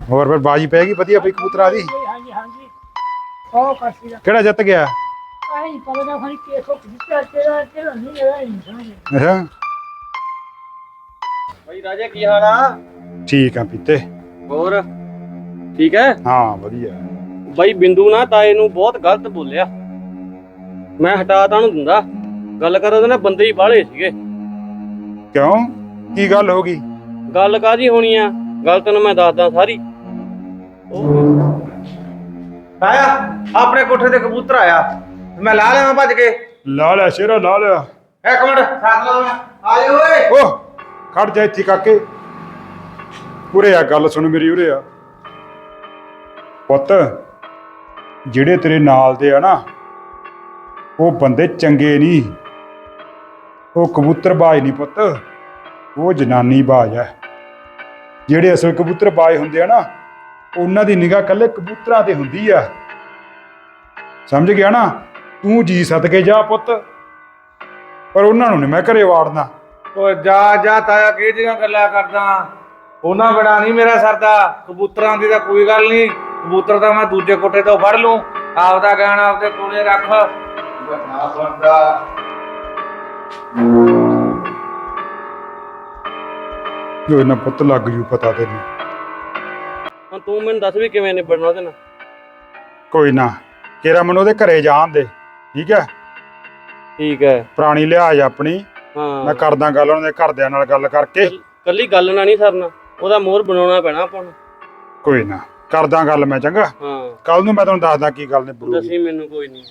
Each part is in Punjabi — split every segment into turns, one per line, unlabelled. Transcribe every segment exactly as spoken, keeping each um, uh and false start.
ਹੋਰ ਫਿਰ ਬਾਜੀ ਪੈ ਗਈ ਵਧੀਆ ਪਈ ਕਬੂਤਰਾਂ ਦੀ।
ਹਾਂਜੀ ਹਾਂਜੀ ਉਹ ਕਰਸੀ ਦਾ
ਕਿਹੜਾ ਜਿੱਤ ਗਿਆ?
ਆਹੀ ਪਤਾ ਨਾ ਖਾਣੀ ਕੇਸੋ ਕਿੱਥੇ ਤੇਰਾ ਤੇਰਾ ਨਹੀਂ ਹੈਗਾ ਨਹੀਂ ਸਮਝ।
ਅੱਛਾ
ਬਈ ਰਾਜੇ ਕੀ ਹਾਲ ਆ?
ਠੀਕ ਆ ਪੀਤੇ।
ਹੋਰ ਠੀਕ ਹੈ?
ਹਾਂ ਵਧੀਆ।
ਬਈ ਬਿੰਦੂ ਨਾ ਤਾਏ ਨੂੰ ਬਹੁਤ ਗਲਤ ਬੋਲਿਆ। ਮੈਂ ਹਟਾ ਤਾਂ ਉਹਨੂੰ ਦਿੰਦਾ, ਗੱਲ ਕਰ ਉਹਦੇ ਨਾਲ ਬੰਦੇ ਹੀ ਬਾਹਲੇ ਸੀਗੇ।
ਕਿਉਂ ਕੀ ਗੱਲ ਹੋ ਗਈ?
ਗੱਲ ਕਾਹਦੀ ਹੋਣੀ ਆ, ਗੱਲ ਤੈਨੂੰ ਮੈਂ ਦੱਸਦਾ ਸਾਰੀ।
ਆਇਆ ਆਪਣੇ ਕੋਠੇ ਤੇ ਕਬੂਤਰ ਆਇਆ, ਮੈਂ ਲਾ ਲਿਆ ਭੱਜ ਕੇ।
ਲਾ ਲਿਆ ਸ਼ੇਰਾ ਲਾ ਲਿਆ।
ਇੱਕ ਮਿੰਟ ਸਾਥ ਲਾ ਮੈਂ ਆ ਜਾ ਓਏ।
ਓਹ ਖੜ ਜਾ ਇੱਥੇ ਕਾਕੇ, ਉਰੇ ਆ ਗੱਲ ਸੁਣ ਮੇਰੀ ਉਰੇ ਆ ਪੁੱਤ। ਜਿਹੜੇ ਤੇਰੇ ਨਾਲ ਦੇ ਆ ਨਾ ਉਹ ਬੰਦੇ ਚੰਗੇ ਨਹੀਂ, ਉਹ ਕਬੂਤਰਬਾਜ਼ ਨਹੀਂ ਪੁੱਤ, ਉਹ ਜਨਾਨੀ ਬਾਜ਼ ਹੈ। ਜਿਹੜੇ ਅਸਲ ਕਬੂਤਰਬਾਜ਼ ਹੁੰਦੇ ਆ ਨਾ ਉਹਨਾਂ ਦੀ ਨਿਗਾਹ ਇਕੱਲੇ ਕਬੂਤਰਾਂ ਤੇ ਹੁੰਦੀ ਆ, ਸਮਝ ਗਿਆ ਨਾ? ਤੂੰ ਜੀ ਸਦਕੇ ਜਾ ਪੁੱਤ, ਪਰ ਉਹਨਾਂ ਨੂੰ ਨਹੀਂ ਮੈਂ ਘਰੇ ਵਾੜਨਾ।
ਓਏ ਜਾ ਜਾ ਤਾਇਆ ਕਿਹੜੀਆਂ ਗੱਲਾਂ ਕਰਦਾ, ਉਹਨਾਂ ਬੜਾ ਨਹੀਂ ਮੇਰਾ ਸਰਦਾ। ਕਬੂਤਰਾਂ ਦੀ ਤਾਂ ਕੋਈ ਗੱਲ ਨਹੀਂ, ਕਬੂਤਰ ਤਾਂ ਮੈਂ ਦੂਜੇ ਕੋਠੇ ਤੋਂ ਫੜ ਲੂੰ, ਆਪਦਾ ਗਿਆਨ ਆਪਦੇ ਕੋਲੇ ਰੱਖ। ਬਣਾ ਬਣਦਾ
ਜੋ ਇਹਨਾਂ ਪੁੱਤ ਲੱਗ ਜੂ ਪਤਾ ਤੈਨੂੰ।
ਹੁਣ ਤੂੰ ਮੈਨੂੰ ਦੱਸ ਵੀ ਕਿਵੇਂ ਨਿਬੜਨਾ ਉਹਦੇ ਨਾਲ।
ਕੋਈ ਨਾ ਕੇਰਾ ਮੈਨੂੰ ਉਹਦੇ ਘਰੇ ਜਾਣ ਦੇ, ਠੀਕ ਹੈ?
ਠੀਕ ਹੈ।
ਪੁਰਾਣੀ ਲਿਹਾਜ਼ ਆਪਣੀ
ਹਾਂ
ਮੈਂ ਕਰਦਾ ਗੱਲ ਉਹਨਾਂ ਦੇ ਘਰਦਿਆਂ ਨਾਲ ਗੱਲ ਕਰਕੇ।
ਕੱਲੀ ਗੱਲ ਨਾਲ ਨਹੀਂ ਸਰਨਾ, ਉਹਦਾ ਮੋਹਰ ਬਣਾਉਣਾ ਪੈਣਾ ਆਪਾਂ ਨੂੰ।
ਕੋਈ ਨਾ ਕਰਦਾ ਗੱਲ ਮੈਂ, ਚੰਗਾ?
ਹਾਂ
ਕੱਲ ਨੂੰ ਮੈਂ ਤੁਹਾਨੂੰ ਦੱਸਦਾ ਕੀ ਗੱਲ ਨੇ ਬਰੂ।
ਦੱਸੀ ਮੈਨੂੰ, ਕੋਈ ਨਹੀਂ।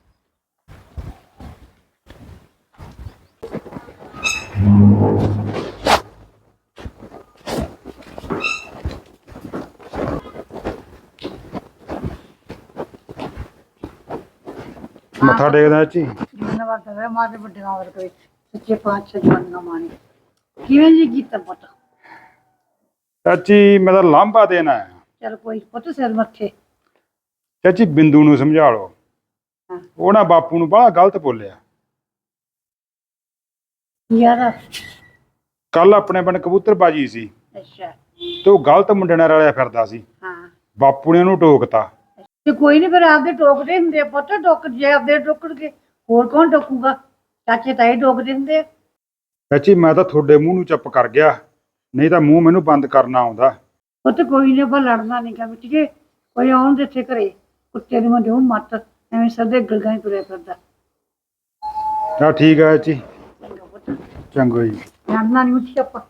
ਮੱਥਾ ਟੇਕਦਾ ਜੀ।
ਧੰਨਵਾਦ ਹੈ ਮਾਰੇ ਵੱਡੀਆਂ ਵਰ ਕੋਈ ਸੱਚੇ ਪਾਤਸ਼ਾਹ ਜਵਾਨਾਂ ਮਾਣੇ। ਕਿਵੇਂ ਜੀ ਕੀਤਾ ਪੁੱਤ?
ਚਾਚੀ ਮੈਂ ਤਾਂ ਲਾਂਭਾ ਦੇਣਾ ਹੈ।
ਚਲ ਕੋਈ ਪੁੱਤ ਸਿਰ ਮੱਥੇ।
ਚਾਚੀ ਬਿੰਦੂ ਨੂੰ ਸਮਝਾ ਲਓ,
ਹਾਂ
ਉਹ ਨਾ ਬਾਪੂ ਨੂੰ ਬੜਾ ਗਲਤ ਬੋਲਿਆ।
ਯਾਰ
ਕੱਲ ਆਪਣੇ ਪਿੰਡ ਕਬੂਤਰਬਾਜੀ ਸੀ
ਅੱਛਾ
ਤੇ ਉਹ ਗਲਤ ਮੁੰਡੇ ਨਾਲ ਰਲਿਆ ਫਿਰਦਾ ਸੀ।
ਹਾਂ
ਬਾਪੂ ਨੇ ਉਹਨੂੰ ਟੋਕਤਾ।
ਤੇ ਕੋਈ ਨਹੀਂ ਫਿਰ ਆਪਦੇ ਟੋਕਦੇ ਹੁੰਦੇ ਆ ਪੁੱਤ, ਟੋਕ ਜੇ ਆਪਦੇ ਟੋਕਣਗੇ ਹੋਰ ਕੌਣ ਟੋਕੂਗਾ? ਚਾਚੇ ਤਾਏ ਟੋਕਦੇ ਹੁੰਦੇ ਆ।
ਚਾਚੀ ਮੈਂ ਤਾਂ ਤੁਹਾਡੇ ਮੂੰਹ ਨੂੰ ਚੁੱਪ ਕਰ ਗਿਆ, ਨਹੀਂ ਤਾਂ ਮੂੰਹ ਮੈਨੂੰ ਬੰਦ ਕਰਨਾ ਆਉਂਦਾ।
ਪੁੱਤ ਕੋਈ ਨਹੀਂ, ਆਪਾਂ ਲੜਨਾ ਨਹੀਂ ਗਾ ਮਿੱਟੀਏ। ਕੋਈ ਆਉਣ ਦੇ ਇੱਥੇ ਘਰੇ ਕੁੱਤੇ ਨੂੰ ਦਿਓ ਮੱਤ, ਐਵੇਂ ਸਦੇ ਗਲਗਾਂ ਹੀ ਤੁਰਿਆ ਫਿਰਦਾ।
ਚਲ ਠੀਕ ਹੈ ਚਾਚੀ,
ਚੰਗਾ ਪੁੱਤ,
ਚੰਗਾ ਜੀ।
ਲੜਨਾ ਨਹੀਂ ਮਿੱਟੀ ਆਪਾਂ।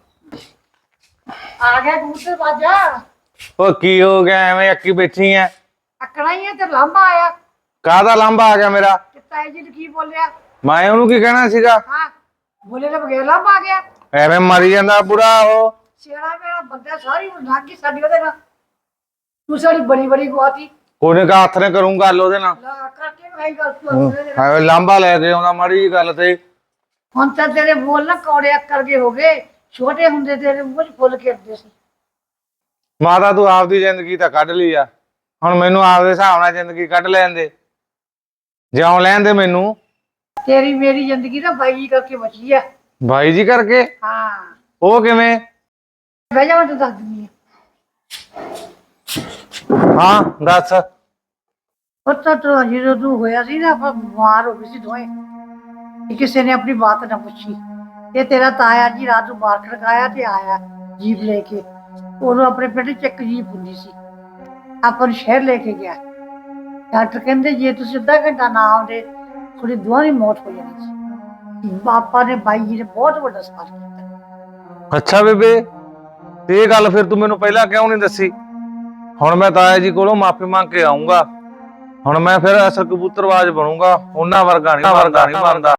ਆ ਗਿਆ ਕਬੂਤਰ ਬਾਜਾ।
ਓ ਕੀ ਹੋ ਗਿਆ ਐਵੇਂ ਅੱਕੀ ਬੈਠੀ ਐ?
ਅਕੜਾ ਹੀ ਆ ਤੇ ਲਾਂਭਾ ਆਇਆ।
ਕਾਹਦਾ ਲਾਂਭਾ ਆ ਗਿਆ ਮੇਰਾ?
ਤੇ ਤਾਏ ਜੀ ਨੇ ਕੀ ਬੋਲਿਆ?
ਮੈਂ ਉਹਨੂੰ ਕੀ ਕਹਿਣਾ ਸੀਗਾ?
ਹਾਂ ਬੋਲੇ ਤਾਂ ਬਗੈਰ ਲਾਂਭਾ ਆ ਗਿਆ।
ਐਵੇਂ ਮਰੀ ਜਾਂਦਾ ਬੁੜਾ ਉਹ।
ਸਿਆਣਾ ਮੇਰਾ ਬੰਦਾ ਸਾਰੀ ਲੰਘ ਗਈ ਸਾਡੀ ਉਹਦੇ ਨਾਲ। ਤੂੰ ਸਾਡੀ ਬੜੀ ਬੜੀ ਗਵਾਤੀ।
ਕੋਨੇ ਕਾ ਹੱਥ ਨੇ ਕਰੂੰ ਗੱਲ ਉਹਦੇ ਨਾਲ।
ਲਾ ਕਰਕੇ ਮੈਂ ਗੱਲ ਤੂੰ
ਐਵੇਂ ਲਾਂਭਾ ਲੈ ਕੇ ਆਉਂਦਾ ਮਾੜੀ ਜੀ ਗੱਲ ਤੇ।
ਹੁਣ ਤਾਂ ਤੇਰੇ ਬੋਲ ਨਾ ਕੌੜੇ ਅੱਕਰ ਕੇ ਹੋ ਗਏ, ਛੋਟੇ ਹੁੰਦੇ ਤੇਰੇ ਮੂੰਹ 'ਚ ਫੁੱਲ ਖਿੜਦੇ ਸੀ।
ਮਾਤਾ ਤੂੰ ਆਪਦੀ ਜ਼ਿੰਦਗੀ ਤਾਂ ਕੱਢ ਲਈ ਆ, ਹੁਣ ਮੈਨੂੰ ਆਪਦੇ ਹਿਸਾਬ ਨਾਲ ਜ਼ਿੰਦਗੀ ਕੱਢ ਲੈਣ ਦੇ, ਜਿਉਂ ਲੈਣ ਦੇ ਮੈਨੂੰ।
ਤੇਰੀ ਮੇਰੀ ਜ਼ਿੰਦਗੀ ਤਾਂ ਬਾਈ ਜੀ ਕਰਕੇ ਬਚੀ ਆ।
ਬਾਈ ਜੀ ਕਰਕੇ?
ਹਾਂ
ਉਹ ਕਿਵੇਂ?
ਬਹਿ ਜਾ ਮੈਂ ਤੈਨੂੰ ਦੱਸ ਦਿੰਦੀ ਆ।
ਹਾਂ ਦੱਸ।
ਪੁੱਤ ਤੂੰ ਜਦੋਂ ਤੂੰ ਹੋਇਆ ਸੀ ਨਾ, ਆਪਾਂ ਬਿਮਾਰ ਹੋ ਗਏ ਸੀ ਦੋਵੇਂ, ਤੇ ਕਿਸੇ ਨੇ ਆਪਣੀ ਬਾਤ ਨਾ ਪੁੱਛੀ। ਤੇ ਤੇਰਾ ਤਾਇਆ ਜੀ ਰਾਤ ਨੂੰ ਬਾਹਰ ਖੜਕਾਇਆ ਤੇ ਆਇਆ ਜੀਪ ਲੈ ਕੇ। ਉਹਨੂੰ ਆਪਣੇ ਪਿੰਡ ਚ ਇੱਕ ਜੀਪ ਹੁੰਦੀ ਸੀ, ਆਪਾਂ ਨੂੰ ਸ਼ਹਿਰ ਲੈ ਕੇ ਗਿਆ। ਡਾਕਟਰ ਕਹਿੰਦੇ ਜੇ ਤੁਸੀਂ ਅੱਧਾ ਘੰਟਾ ਨਾ ਆਉਂਦੇ ਤੁਹਾਡੀ ਦੋਹਾਂ ਦੀ ਮੌਤ ਹੋ ਜਾਣੀ ਸੀ। ਪਾਪਾ ਨੇ ਬਾਈ ਜੀ ਨੇ ਬਹੁਤ ਵੱਡਾ ਸਵਾਲ ਕੀਤਾ।
ਅੱਛਾ ਬੇਬੇ, ਤੇ ਇਹ ਗੱਲ ਫਿਰ ਤੂੰ ਮੈਨੂੰ ਪਹਿਲਾਂ ਕਿਉਂ ਨਹੀਂ ਦੱਸੀ? ਹੁਣ ਮੈਂ ਤਾਇਆ ਜੀ ਕੋਲੋਂ ਮਾਫੀ ਮੰਗ ਕੇ ਆਉਂਗਾ। ਹੁਣ ਮੈਂ ਫਿਰ ਅਸਲ ਕਬੂਤਰਬਾਜ਼ ਬਣੂੰਗਾ, ਉਹਨਾਂ ਵਰਗਾ ਨਹੀਂ ਵਰਗਾ ਨਹੀਂ ਬਣਦਾ।